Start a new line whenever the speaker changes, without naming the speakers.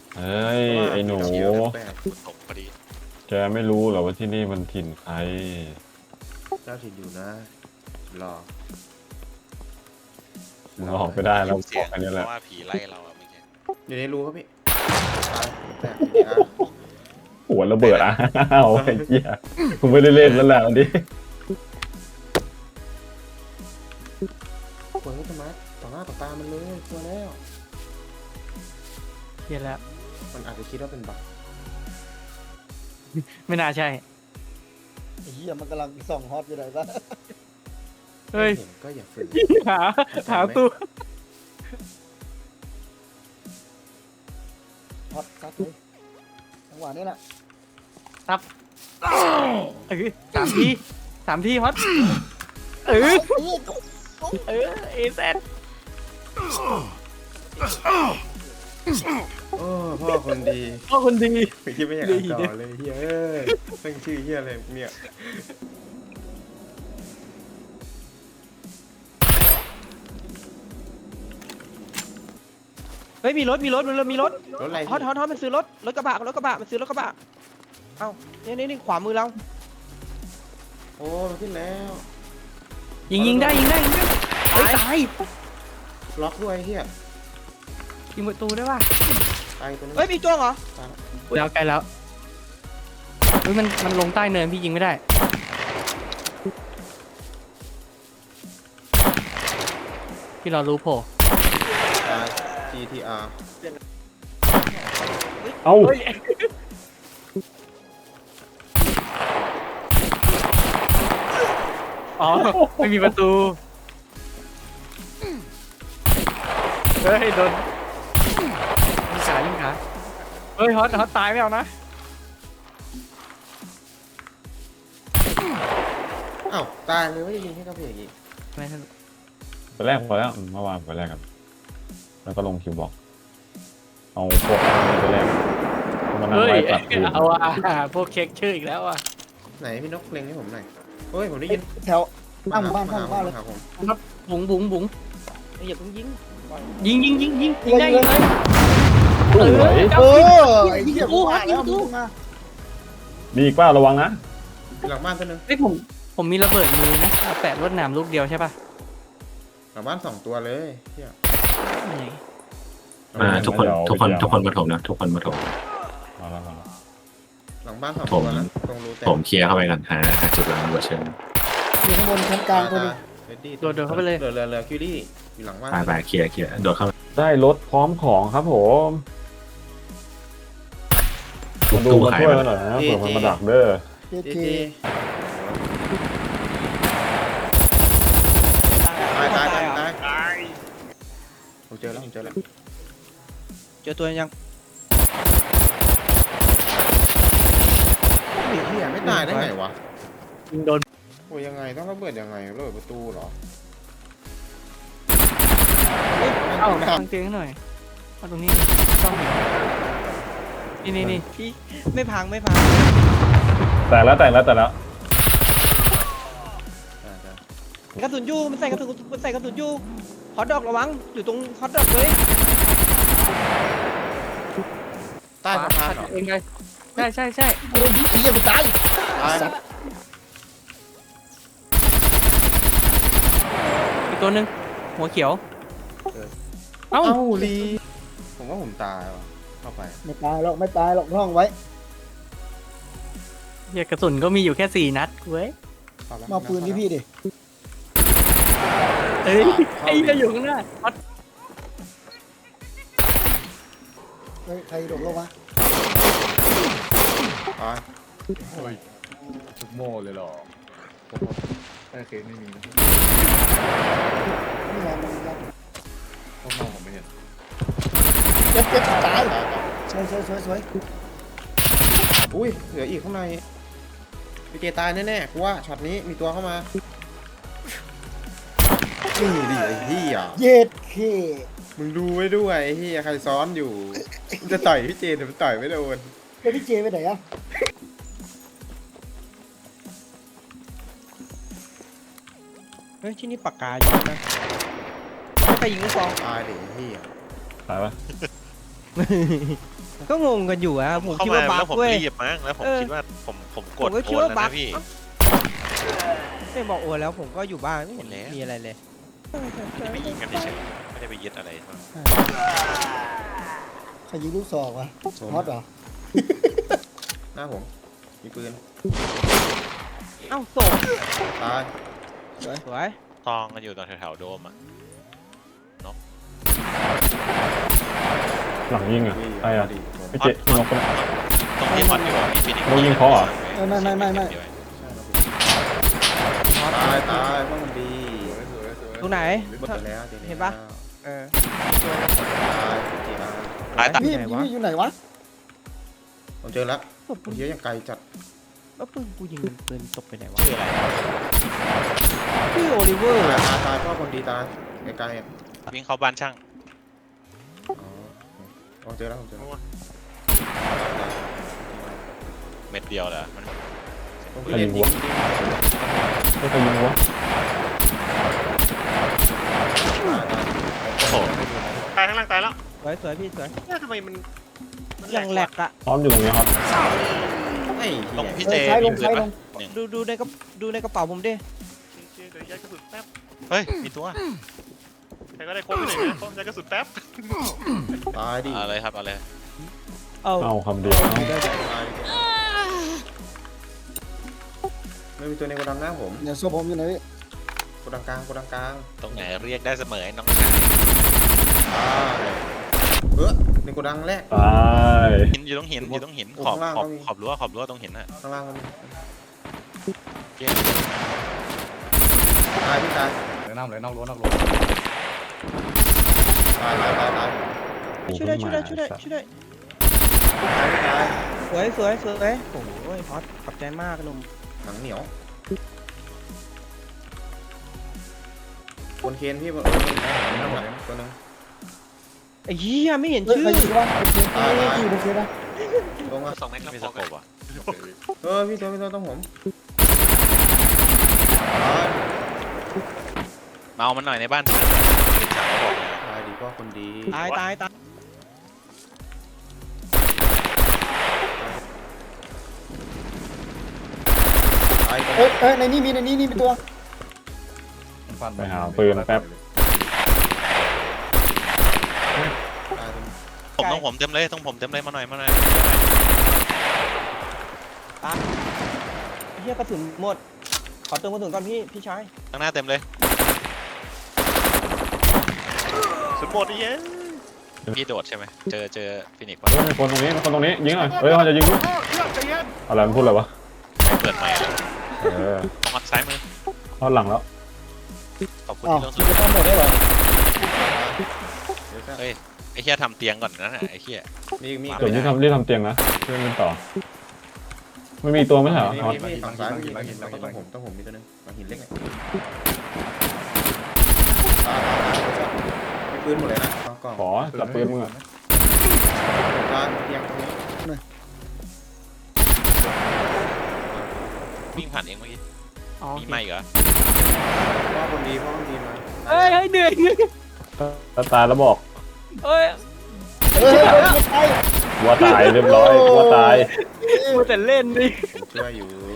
เฮ้ยไอ้หนู
ตกพอดี
แกไม่รู้เหรอว่าที่นี่มันถิ่นใคร
เจ้าถิ่นอยู่นะรอ
มึงออกไปได้แล้วบ
เสี
อย ก
ง
อันนี้
เพ
แหละ
ราะว่าผีไล่เราอะเมื่อกี้
อยู่ในรูครับพี่ตายแตกทีอาร์
หัวระเบิดอ่ะเอาไอ้เหี้ยกูไม่ได้เล่นแล้วแหละวันนี้
ปวดให้ธรรมะต่อหน้าต่อตามันเลยกลัวแล้ว
เฮียแล้ว
มันอาจจะคิดว่าเป็นบั๊ก
ไม่น่าใช่
ไอ้เหี้ยมันกำลังส่องฮอตอยู่ไหนบ้าง
เฮ้ย
เห็นก็อย่าฝืน
หาหาตัว
ฮอตซัดเลยจังหวะนี้แหละ
สามทีฮอตเออเอเซน
โอ้พ่อคนดี
พ่อคนดี
ไม่คิดไม่อยากอ่านต่อเลยเฮ้ยเป็นชื่อเฮียอะไรเนี่ย
เฮ้ยมีรถ
รถอะไร
ฮอตมันซื้อรถกระบะมันซื้อรถกระบะเอ้านี่ขวามือเรา
โอ้มันขึ้นแล้ว
ยิงได้ตาย
ล็อกด้วยเฮีย
ยิงประตูได้ป่ะ
ตายตัวนั้น
เฮ้ยมีจ้วงเหรอ
ตาย
แล้วไกลแล้วเฮ้ยมันลงใต้เนินพี่ยิงไม่ได้พี่เรารู้โผล่
ตาย GTR
เอ้า
อ๋อไม่มีประตูเฮ้ยโดนยิงขาเฮ้ยฮอตตายไม่เอานะ
อ้าวตายเลยว่าจะยิงให้กระเพกอีก
ไม่ทัน
ไปแรกพอแล้วเมื่อวานไปแรกกันแล้วก็ลงคิวบอกเอาพวกนี้ไปแรกมันนั่ง
เฮ้ย
ไล่ตัดคืน
เอาพวกเค้กชื่ออีกแล้วอ่ะ
ไหนพี่นกเล็งให้ผมหน่อยเฮ้ยผมได้ยิน
แถวข้างหมู่บ้านข้างหมู่บ้านเลย
หผม
บุ๋งอย่าเพิ่งยิงได้ยิงเลย
สวย
เออไอ้เหี้ยกูมาแล้วมึงมา
มีอีกเปล่าระวังนะ
หลังบ้านตัวนึง
เฮ้ยผมมีระเบิดมือนะแปะรวดหนามลูกเดียวใช่ป่ะ
หลังบ้าน2 ตัวเลยเฮีย
ไหน
ทุกคนมาถมนะทุกคนมาถม
มาแล้ว
หลังบ้าน2 ตัวนะตรงรูแตก
ผมเคลียร์เข้าไปกันหาจุดวางระเบิดเชิง
อยู่ข้างบนชั้นกลางตัวนึง
โดดเข้าไปเลย
เรือคิวรี่อยู่หลังบ้าน
ไปเคลียร์โดดเข้า
ได้รถพร้อมของครับผม
ทุ
มา
บ
ดู
ตู้
มา
ขาย
ช่วย
มั
กันหน่อยนะเผื่อมันมาดักเด้อ
เจ
จี
เจ
จีตายผมเจอแล้ว
เจอตัวยัง
ไอ้เฮียไม่ตายได้ไงวะ
ยิงโดน
โอ้ยยังไงต้องระเบิดยังไงระเบิดประตูเหรอ
เอ้าทางเตียงหน่อยเอาตรงนี้ต้องนี่พี่ไม่พัง
แต่แล้ว
กระสุนยูมันใส่กระสุนยูฮอตดอกระวังอยู่ตรงฮอตดอกเลย
ใต้สะพานเหรอ
เองเลยใช่
โอ้ยไอ้เหี้ยกูตาย
ตาย
อีกตัวหนึ่งหัวเขียวเอ้า
เอ้าลีผมว่าผมตายว่ะเข้าไป
ไม่ตายหรอกท่องไว้
เหี้ยกระสุนก็มีอยู่แค่4 นัดเว้ย
เข้แล้ว
มาปืนที่พี่ดิ
เอ้ยไอ้จะอยู่ข้างหน้าฮอต
เฮ้ยใครโดดลงมา
ตาย
ทุกโม่เลยเหรอแต่เคสไม่มีนะ
นี่ไงมันยัง
ข้างนอกผมไม่เห็น
เจ็บตาย
ตาย
สวย
อุ้ยเหลืออีกข้างในพี่เจตายแน่ๆกูว่าช็อตนี้มีตัวเข้ามานี่ดิไอ้เหี้ย
เย็ดเค
มึงดูไว้ด้วยไอ้เหี้ยใครซ้อนอยู่มึงจะต่อยพี่เจแต่มันต่อยไม่โดน
แล้วพี่เจไปไหนอะ
เฮ้ยที่นี่ปากกาอยู่นะไม่ไปยิงลูกซอง
ตายดิไอ้เหี้ย
ตายปะ
ก็งงกันอยู่อะผม
เข้า
คิด
มา
ว่าบั
แล้ว
๊ก
ผม
เว้ย
รีบมั้งแล้วผม
เออ
คิดว่าผมก
ผ
ด
มก็
โอ
คิด
น
ว่า
แล้ว
บั๊
นะ
ก
พี่
ไม่บอกโอนแล้วผมก็อยู่บ้านไม่เห็น
เห็นแล้ว
มีอะไรเลย
ไม่ได้ไปยิงกันเฉยๆไม่ได้ไปยึดอะไร
ใครยิงลูกศอกวะฮอตเหรอ
หน้าผมมีปืน
เอ้าศพ
ตาย
สวย
ตองกันอยู่ตรงแถวๆโดมอ่ะ
หลังยิงอ่ะใครอ่ะ
ดีผม
พี่เจพี่นกปะเนี่ย
ตรงที่ฮอตอยู่อะมีฟินิกซ์
เรายิงเขาเหรอ
ตายตายเพราะมันดี
ตรงไหน
หมดไปแล้วจริงๆ
เห็นปะ เออ
ตายจริง
ตายตาย
นี่
ไหนวะ
นี่อยู่ไหนวะ
ๆผมเจอแล้วผมเยอะยังไกลจัด
แล้วปืนกูยิงปืนตกไปไหนวะ
ชื่ออะไร
ชื่อโอลิเวอร์
ตาย
อะ
ตายตายเพราะคนดีตายไกลๆอ่ะ
วิ่งเข้าบ้านช่าง
อ๋อผมเจอแล้วผมเจอแล้ว
เม็ดเดียวเหรอมัน
ผมเล่นยิง
ไม่เคยยิงวะ
โอ้โหตายข้างล่างตายแล้ว
สวยพี่สวย
เนี่ยทำไมมัน
ยังแหลกอะ
พร้อมอยู่ตรงนี้ครับ
ไอ้
ตรง
เหี้ย
พี่
เอ
เจ
อซ้ายล
มี
ง
ปืน
ซ้ายล
ปะ
ง
หนึ่ง
ดูในกระเป๋าผมดิ
เฮ้ยมีตัว
ใครก็ได้โค้งไปหน่อยนะโค้งใจกระสุนแป๊บ
ตายดิ
เอะไรครับเอะไร
เอา
เอาคำเดียวเอา
ตายดิไม่มีตัวในโกดังหน้าผม
เนี่ยโซ่ผมอยู่ไหนพี่
โกดังกลางโกดังกลาง
ตรงไหนเรียกได้เสมอไอ้น้องชาย
ในโกดังแรก
ตาย
หินอยู่ตรงหินอยู่ตรงหินขอบ
ข้างล่าง
ขอบ
ก็มี
ขอบรั้วตรงหินน่ะ
ข้างล่างก็มี
เจ๊
ตายพี่ตาย
เลยน้ำเลยนอกรั้วนอกรั้ว
ตายตายตายตาย
ช่วยได้ช่วยได้ช่วยได้ช่วยได้
ตายพี่ตาย
สวยโอ้ยฮอตขอบใจมากหนุ่ม
หนังเหนียวคนเคนพี่ตัวนึง
ไอ้เหี้ยไม่เห็น
เฮ้ย
ชื่อ
ใครยิงวะโอเคอยู่โอเคนะ
ตรงอ่ะ
สองแม็กซ์มีสโคปอ่ะ
พี่ตัวต้องผม
เมามันหน่อยในบ้านช่างบอก
ตายดีพ่อคนดี
ตาย
ตาย
เอ้ยในนี่มีตัว
มันฟัน
ไปหาปืนแป๊บ
ต้องผมเต็มเลยต้องผมเต็มเลยมาหน่อย
ไอ้เหี้ยกระสุนหมดขอเติมกระสุนก่อนพี่ชาย
ข้างหน้าเต็มเลย
สุดหมดไอ้เหี้ย
พี่โดดใช่ไหมเจอฟินิกซ์
เฮ้ยมีคนตรงนี้ยิงหน่อยเฮ้ยเขาจะยิงอะไรมันพูดอะไรวะ
เปิดใหม่
เออ
ตรงซ้ายมือ
ทอดหลังแล้ว
ขอบคุณ
อ๋อ
ที่ลง
จะต้องหมดได้เหรอ
เฮ้ยไอ้เหี้ยทำเตียงก่อนนะไอ้เหี้ย
มี
เดี๋ยวรีบทำเตียงนะเพื่อนกันต่อไม่มีตัวไม่ใช่เหรออ๋อ
มีฝั่งซ้ายมีหินต้องผมมีตัวนึงฝั่งหินเล็กเนี่ยมีปืนหมดเลยนะกล่อง
ขอจับปืนมึงอะ
ตายเตียงตรงนี้
วิ่งผ่านเองเมื่อกี้
อ๋อ
มีไม่เหรอ
พ่อคนดีมา
เฮ้ยเหนื่อย
ถ้าตายแล้วบอก
เฮ้ย
เฮ้ยไป
วัวตายเรียบร้อยวัวตาย
มัวแต่เล่นดิ
ช่วยอยู่